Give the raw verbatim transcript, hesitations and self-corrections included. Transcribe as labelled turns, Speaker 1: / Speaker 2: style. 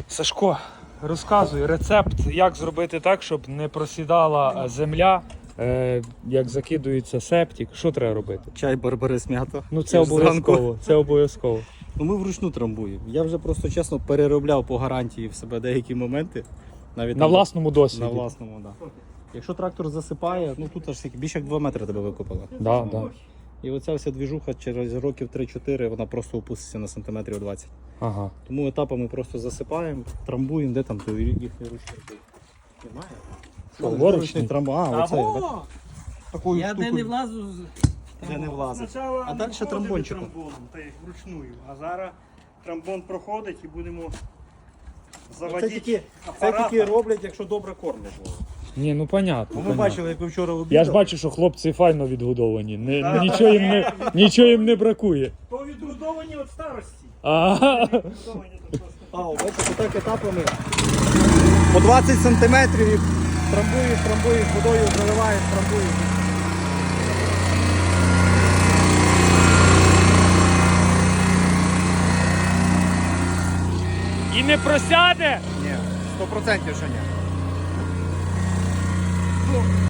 Speaker 1: Сашко, розказуй рецепт, як зробити так, щоб не просідала земля, е, як закидується септик. Що треба робити?
Speaker 2: Чай барбарис м'ята.
Speaker 1: Ну це обов'язково. Це обов'язково.
Speaker 2: Ну ми вручну трамбуємо. Я вже просто чесно переробляв по гарантії в себе деякі моменти. Навіть
Speaker 1: На
Speaker 2: там-
Speaker 1: власному досвіді.
Speaker 2: На власному, так. Да. Якщо трактор засипає, ну тут аж скільки, більше як два метри тебе викопало.
Speaker 1: Да, да.
Speaker 2: І оця вся двіжуха через років три-чотири вона просто опуститься на сантиметрів двадцять.
Speaker 1: Ага.
Speaker 2: Тому етапами просто засипаємо, трамбуємо, де там той їхній ручник. Немає?
Speaker 1: Що,
Speaker 2: Ну,
Speaker 1: воручний?
Speaker 2: ручний трамбу. А, оце. бач? Такою
Speaker 3: Я де
Speaker 2: штукою,
Speaker 3: не влазу, з-
Speaker 2: де не влазить.
Speaker 4: Спочатку
Speaker 2: А
Speaker 4: ми
Speaker 2: далі
Speaker 4: входили
Speaker 2: трамбончиком.
Speaker 4: трамбоном, та як вручную. А зараз трамбон проходить і будемо
Speaker 2: Це
Speaker 4: заводити
Speaker 2: тільки, це
Speaker 4: апарат.
Speaker 2: тільки роблять, якщо добре кормлять.
Speaker 1: Ні, ну понятно.
Speaker 2: Бо ми
Speaker 1: понятно.
Speaker 2: бачили, як ви вчора обідали.
Speaker 1: Я ж бачу, що хлопці файно відгодовані. Не, нічого, їм не, нічого їм не бракує.
Speaker 4: То відгодовані від старості.
Speaker 1: Ага.
Speaker 4: Відгодовані то просто.
Speaker 2: А, бачите, так етапами. По двадцять сантиметрів трамбуєш, трамбуєш, водою заливаєш, трамбуєш.
Speaker 1: І не просяде?
Speaker 2: Ні, сто процентів що ні.